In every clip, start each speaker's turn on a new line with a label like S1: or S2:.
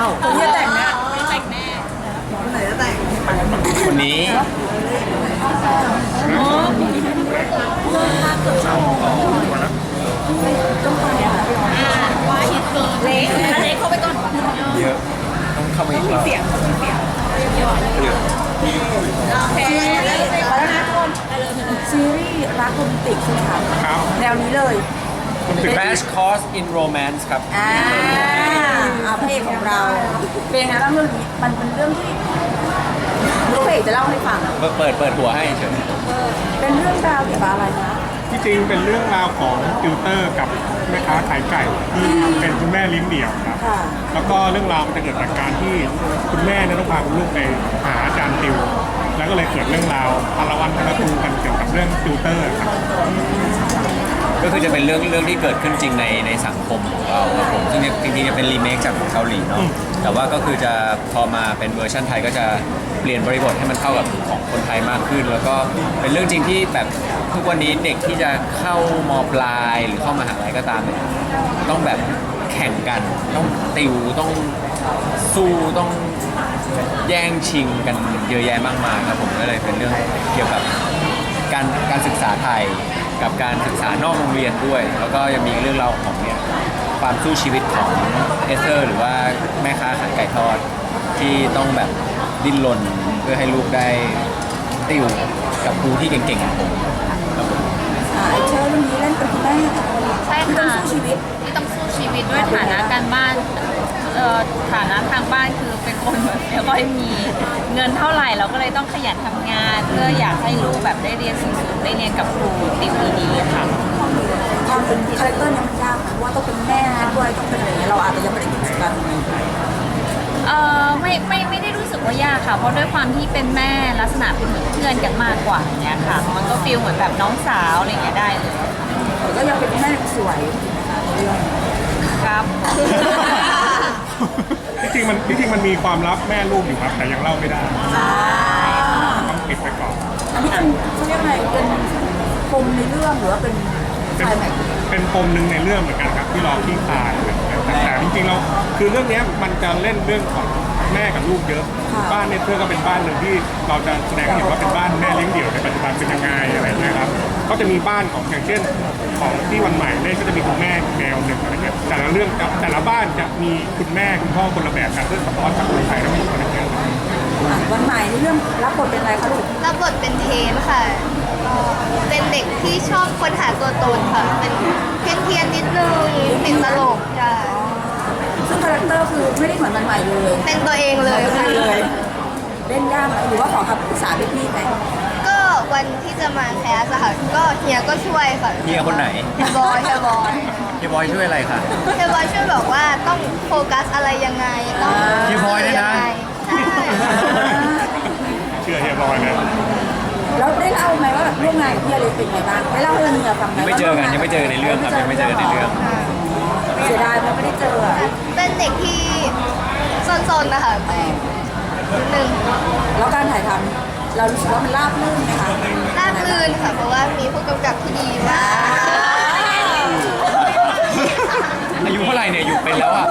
S1: คนที่จะแต่งนะ
S2: แต่งแน่
S1: คนไหนจะแต่ง
S3: คนนี้
S2: ว่าฮิตเกินเล็กเล็กเข้าไปก่อน
S3: เยอะต้องเข้ามาอีกรอบ
S2: เสียง
S3: เยอะ
S2: โอเค
S1: แล้วนะทุกคนซีรีส์รักโรแมนติกใช่ไหมคะ
S3: ครับ
S1: แนวนี้เลย
S3: Crash Course in Romance ครับ
S1: พระเอกของเราเป็นยังไงบ้างเรื่องนี้มันเป็นเรื่องที่ลูกเพจจะเล่าให้ฟัง
S3: เปิดหัวให้เฉย
S1: เป็นเรื่องราวเกี่ยวกับอะไรนะ
S4: ที่จริงเป็นเรื่องราวของติวเตอร์กับแม่ค้าขายไก่ที่เป็นคุณแม่เลี้ยงเดี่ยวครับ
S1: ค่ะ
S4: แล้วก็เรื่องราวมันจะเกิดจากการที่คุณแม่เนี่ยต้องพาคุณลูกไปหาอาจารย์ติว แล้วก็เลยเกิดเรื่องราวพลวันพลตูกันเกี่ยวกับเรื่องติวเตอร์ครับ
S3: ก็คือจะเป็นเรื่องที่เกิดขึ้นจริงในสังคมของเราครับผมซึ่งจริงๆจะเป็นรีเมคจากของเกาหลีเนาะแต่ว่าก็คือจะพอมาเป็นเวอร์ชันไทยก็จะเปลี่ยนบริบทให้มันเข้ากับของคนไทยมากขึ้น แล้วก็เป็นเรื่องจริงที่แบบทุกวันนี้เด็กที่จะเข้ามปลายหรือเข้ามหาลัยก็ตามเนี่ยต้องแบบแข่งกันต้องติวต้องสู้ต้องแย่งชิงกันเยอะแยะมากมายครับผมก็เลยเป็นเรื่องเกี่ยวกับการศึกษาไทยกับการศึกษานอกโรงเรียนด้วย แล้วก็ยังมีเรื่องราวของเนี่ยความสู้ชีวิตของเอสเธอร์หรือว่าแม่ค้าขายไก่ทอดที่ต้องแบบดิ้นรนเพื่อให้ลูกได้ติวกับครูที่เก่งๆอย่างผมครับผม
S1: ไอเชอร์เรื่องนี้เล่นเป็นคุณแม่
S2: ใช่
S1: ที่ต้อ
S2: ค่ะ
S1: งสู้ชีวิต
S2: ที่ต้องสู้ชีวิตด้วยฐานะการบ้านฐานะทางบ้านคือเป็นคนแบบไม่ค่อยมีเงินเท่าไหร่เราก็เลยต้องขยันทำงาน เพื่ออยากให้ลูกแบบได้เรียนสูงๆได้เรียนกับครูติวดีๆค่ะ
S1: ความเป็นคาแรคเตอร์เนี่ยมันยากนะเพราะว่าต้องเป็นแม่ด้วยต้องเป็นอะไรอย่างเงี้ยเราอาจจะยังไม่ได้มีประสบการณ์ตรงนี้
S2: ไม่ได้รู้สึกว่ายากค่ะ เพราะด้วยความที่เป็นแม่ลักษณะเป็นเหมือนเพื่อนกันมากกว่าอย่างเงี้ยค่ะ มันก็ฟีลเหมือนแบบน้องสาวอะไรอย่างเงี้ยได้เลย
S1: แต่ก็ยังเป็นแม่สวยนะคะในเรื่อง
S2: ครับ
S4: ที่จริงมันมีความลับแม่ลูกอยู่ครับ แต่ยังเล่าไม่ได้ต้องปิดไปก่อน
S1: อันนี้เป็นเขาเรียกอะไรเป็นปมในเรื่องหรือว่าเป็น
S4: เป็น
S1: ไฟแม็กซ์
S4: เป็นปมหนึ่งในเรื่องเหมือนกันครับที่รอขี้คายแต่จริงๆเราคือเรื่องเนี้ยมันจะเล่นเรื่องของแม่กับลูกเยอะ บ้านเนี่ยเพื่อก็เป็นบ้านหนึ่งที่เราจะแสดงให้เห็นว่าเป็นบ้านแม่เลี้ยงเดี่ยวในปัจจุบันเป็นยังไงอะไรอย่างเงี้ยครับก็จะมีบ้านของอย่างเช่นของที่วันใหม่เนี่ยก็จะมีคุณแม่แนวหนึ่งอะไรเงี้ยแต่ละเรื่องแต่ละบ้านจะมีคุณแม่คุณพ่อคนละแบบกันเพื่อสะท้อนกับคนไทยทั้งหมดอะไรเงี้ย
S1: วันใหม่ในเรื่องรับบทเป็นอะไรคะลูก
S5: รับบทเป็นเทนค่ะ เป็นเด็กที่ชอบค้นหาตัวตนค่ะ เป็นเพี้ยนนิดนึงติดตลกใช่
S1: ซึ่งคาแรคเตอร์คือไม่ได้เหมือนวันใหม่เลย
S5: เป็นตัวเองเลยค่ะ
S1: เลยเล่นยากไหมหรือว่าขอคำปรึกษาพี่ๆไหม
S5: ก็วันที่จะมาแคสอะค่ะ ก็เฮียก็ช่วยค่ะ
S3: เฮียคนไหน
S5: เฮียบอย
S3: เฮียบอยช่วยอะไรคะ
S5: เฮียบอยช่วยบอกว่าต้องโฟกัสอะไรยังไงต้อง
S3: เฮียบอยเนี่ยนะ
S5: งไงใช่
S4: เชื่อเฮียบอยนะ
S1: แล้วได้เล่าไหมว่าแบบร่วมงานกับพี่อเล็กเป็นไงบ้างได้เล่าให้เมียฟังไหม
S3: ยังไม่เจอกันยังไม่เจอในเรื่องครับยังไม่เจอในเรื่อง
S1: เสียดายเพราะไม่ได้เจออะ
S5: เป็นเด็กที่ซนๆนะคะแต่นิดนึง
S1: แล้วการถ่ายทำเรารู้สึกว่ามันราบรื่นไหมคะ
S5: ราบรื่นค่ะ เพราะว่ามีผู้กำกับที่ดีมาก
S3: อายุเท่าไหร่เนี่ยอยู่เป็นแล้วอ่ะ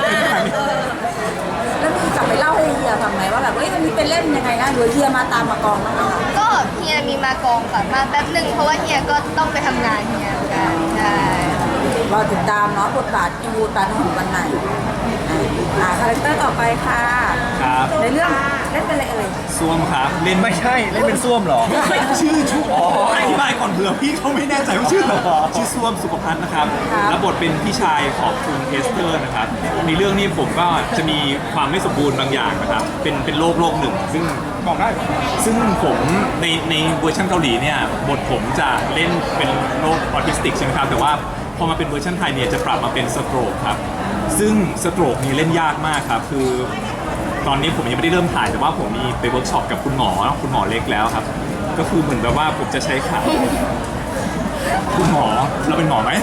S1: แล้วมีกลับไปเล่าให้เฮียฟังไหมว่าแบบเฮ้ยมันมีเป็นเล่นยังไงนะหรือเฮียมาตามมากองบ้างไหมคะ
S5: ก็เฮียมีมากองค่ะมาแป๊บหนึ่งเพราะว่าเฮียก็ต้องไปทำงานเฮียเหมือนกันใช่
S1: รอติดตามเนาะบทบาทอีวูดบาทของวันไหนคาแรคเตอร์ต่อไปค่ะ
S6: ครับ
S1: ในเรื่องเล่นเป็นอะไรเอ่ย
S6: ส้วมครับเล่น
S3: ไม่ใช่เล่นเป็นส้วมเหรอ
S6: ชื่ออธิบายก่อนเผื่อพี่เขาไม่แน่ใจว่าชื่ออะไรชื่อส้วมสุขภัณฑ์นะครับรับบทเป็นพี่ชายของคุณเอสเตอร์นะครับในเรื่องนี้ผมก็จะมีความไม่สมบูรณ์บางอย่างนะครับเป็นโรคหนึ่งซึ่ง
S4: บอกได้
S6: ซึ่งผมในเวอร์ชันเกาหลีเนี่ยบทผมจะเล่นเป็นโรคออทิสติกใช่ไหมครับแต่ว่าพอมาเป็นเวอร์ชันไทยเนี่ยจะปรับมาเป็นสโตรกครับซึ่งสโตรกนี่เล่นยากมากครับคือตอนนี้ผมยังไม่ได้เริ่มถ่ายแต่ว่าผมมีไปเวิร์กช็อปกับคุณหมอเล็กแล้วครับก็คือเหมือนแบบว่าผมจะใช้ขาคุณหมอเราเป็นหมอไหม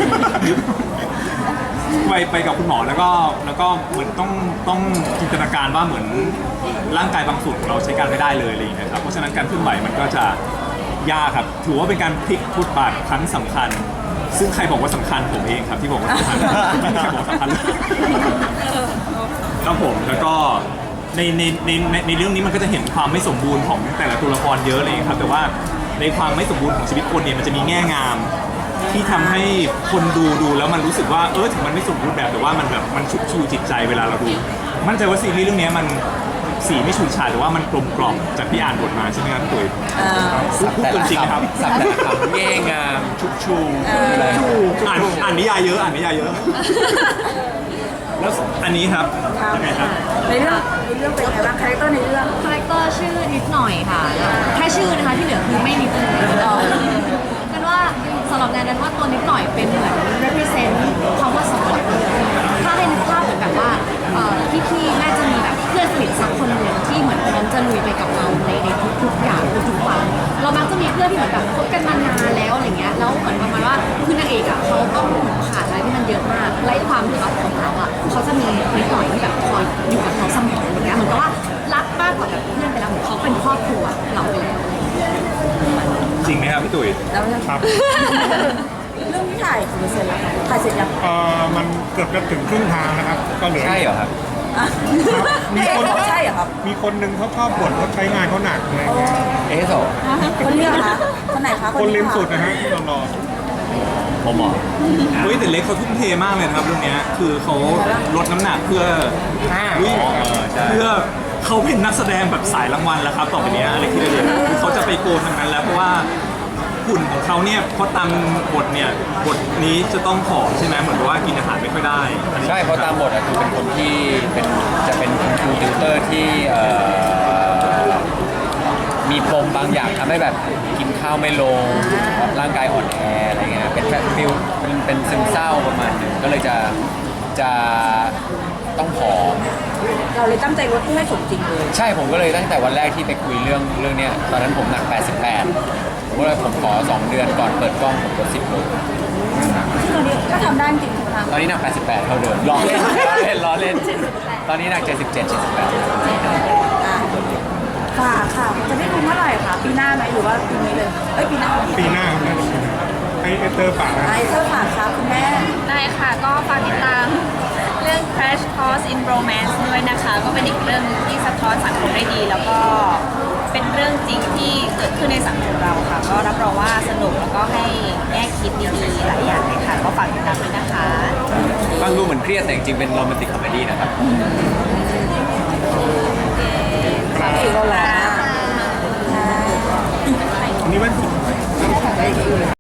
S6: ไปกับคุณหมอแล้วก็เหมือนต้องจินตนาการว่าเหมือนร่างกายบางส่วนของเราใช้การไม่ได้เลยอะไรอย่างเงี้ยครับเพราะฉะนั้นการเคลื่อนไหวมันก็จะยากครับถือว่าเป็นการพลิกบทบาทครั้งสำคัญ ซึ่งใครบอกว่าสำคัญผมเองครับที่บอกว่าสำคัญไม่มีใครบอกว่าสำคัญเลยครับผมแล้วก็ในเรื่องนี้มันก็จะเห็นความไม่สมบูรณ์ของแต่ละตัวละครเยอะเลยครับแต่ว่าในความไม่สมบูรณ์ของชีวิตคนเนี่ยมันจะมีแง่งามที่ทำให้คนดูแล้วมันรู้สึกว่าถึงมันไม่สมบูรณ์แบบแต่ว่ามันแบบมันชุบชูจิตใจเวลาเราดูมั่นใจว่าซีรีส์เรื่องนี้มันสีไม่ฉูดฉาดแต่ว่ามันกลมกล่อมจากที่อ่านบทมาใช่ไหมครับพี่ตุ๋ยพูดเกินจริงนะครับ
S3: สับแต่ละคำแง่งามชุบชูอะไร
S6: อ่านนิยายเยอะแล้วอันนี้ครับยังไงครับ
S1: ในเรื่องเป็นไงบ้างคาแรคเตอร์ในเรื่อง
S7: คาแรคเตอร์ชื่อนิดหน่อยค่ะ แค่ชื่อนะคะที่เหลือคือไม่นิดเลยกันว่าสำหรับแนนว่าตัวนิดหน่อยเป็นเหมือน represent คำว่าสมบัติถ้าให้นึกภาพเหมือนแบบว่าพี่ๆน่าจะมีแบบเพื่อนสนิทสักคนหนึ่งที่เหมือนพร้อมจะลุยไปกับเราในทุกๆอย่างทุกๆวันเรามักจะมีเพื่อนที่เหมือนแบบคบกันมานานแล้วอะไรเงี้ยแล้วเหมือนประมาณว่าคือนางเอกอ่ะเขาต้องผ่านอะไรที่มันเยอะมากไล่ความรักของเขาอ่ะเขาจะมีนิดหน่อยที่แบบคอยอยู่กับเขาเสมออย่างเงี้ยเหมือนกับว่ารักมากกว่าแบบเพื่อนไปแล้วเหมือนเขาเป็นครอบครัวเราไปแล้ว
S6: จริงไหมครับพี่ตุ๋ย
S1: แล้วเนี่ย
S4: ครับ
S1: เรื่องที่ถ่ายกี่เปอร์เซ็นต์แล้วคะถ่ายเสร็จยัง
S4: มันเกือบจะถึงครึ่งทางนะครับก็เหลือ
S3: ใช่เหรอครับ
S1: อ่ะ
S4: มีคน
S1: ใช่เหรอครับ
S4: มีคนหนึงเขาชอบบ่นว่าใช้งานเขาหนักอะไรเงี้ย
S3: เอสโซ
S1: คนนี้เหรอคะคนไหนคะ
S4: คนริม
S1: ะ
S4: สุดนะฮะที่เรารอ
S3: ผมเหรอ
S6: เฮ้ยแต่เล็กเขาทุ่มเทมากเลยนะครับเรื่องเนี้ยคือเขาลดน้ำหนักเพื่อวิ่ง
S3: ใช่
S6: เพื่อเขาเป็นนักแสดงแบบสายรางวัลแล้วครับต่อไปเนี้ยอะไรที่เรียนคือเขาจะไปโกนทางนั้นแล้วเพราะว่าหุ่นของเขาเนี่ยเพราะตามบทเนี่ยบทนี้จะต้องผอมใช่ไหมเหมือนกับว่ากินอาหารไม่ค่อยได้อันนี้
S3: ใช่เพราะตามบทอะคือเป็นคนที่จะเป็นคุณครูติวเตอร์ที่มีปมบางอย่างทำให้แบบกินข้าวไม่ลงร่างกายอ่อนแออะไรเงี้ยเป็นแบบฟิลเป็นซึมเศร้าประมาณนึงก็เลยจะต้องผอม
S1: เราเลยตั้งใจลดให้สมจริงเลย
S3: ใช่ผมก็เลยตั้งแต่วันแรกที่ไปคุยเรื่องเนี้ยตอนนั้นผมหนัก 88ผมก็เลยผมขอ 2 เดือนก่อนเปิดกล้องผมลด10 โล
S1: ซึ่งตอนนี้ก็ทำได้จริงๆใช่ไหมคะ
S3: ตอนนี้หนัก 88 เท่าเดิมล้อเล่นตอนนี้หนัก 77 78
S1: อ่ะค่ะจะได้ดูเมื่อไหร่คะปีหน้าไหมหรือว่าปีนี้เลยปีหน้า
S4: ปีหน้าครับไอเตอร์ปากนะ
S1: ไอเซอร์ฝากครับคุณแม่
S2: ได้ค่ะก็ฝากติดตามเรื่อง Crash Course in Romance ด้วยนะคะ ก็เป็นอีกเรื่องที่สะท้อนสังคมได้ดี แล้วก็เป็นเรื่องจริงที่เกิดขึ้นในสังคมเราค่ะ ก็รับรองว่าสนุกแล้วก็ให้แง่คิดดีๆหลายอย่างเลยค่ะ ก็ฝากติดตามด้วยนะคะ
S3: ฟังดูเหมือนเครียดแต่จริงๆเป็นโรแมนติกคอมเมดี้นะครับ
S1: อีกแล้วนะ
S4: อันนี้มัน